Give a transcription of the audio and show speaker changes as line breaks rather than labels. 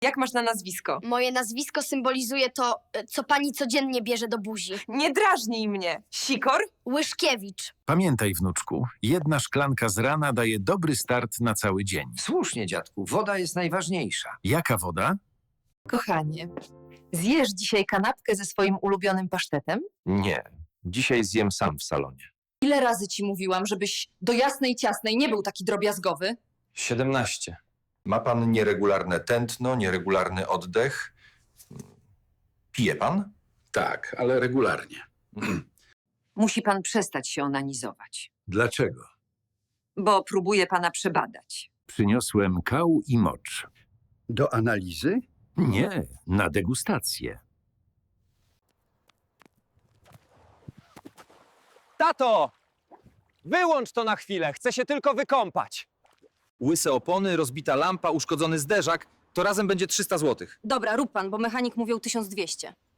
Jak masz na nazwisko?
Moje nazwisko symbolizuje to, co pani codziennie bierze do buzi.
Nie drażnij mnie. Sikor?
Łyszkiewicz.
Pamiętaj, wnuczku, jedna szklanka z rana daje dobry start na cały dzień.
Słusznie, dziadku, woda jest najważniejsza.
Jaka woda?
Kochanie, zjesz dzisiaj kanapkę ze swoim ulubionym pasztetem?
Nie. Dzisiaj zjem sam w salonie.
Ile razy ci mówiłam, żebyś do jasnej ciasnej nie był taki drobiazgowy?
17.
Ma pan nieregularne tętno, nieregularny oddech? Pije pan?
Tak, ale regularnie.
Musi pan przestać się onanizować,
Dlaczego?
bo próbuję pana przebadać.
Przyniosłem kał i mocz.
Do analizy?
Nie, na degustację.
Tato! Wyłącz to na chwilę, chcę się tylko wykąpać.
Łyse opony, rozbita lampa, uszkodzony zderzak, to razem będzie 300 zł.
Dobra, rób pan, bo mechanik mówił 1200.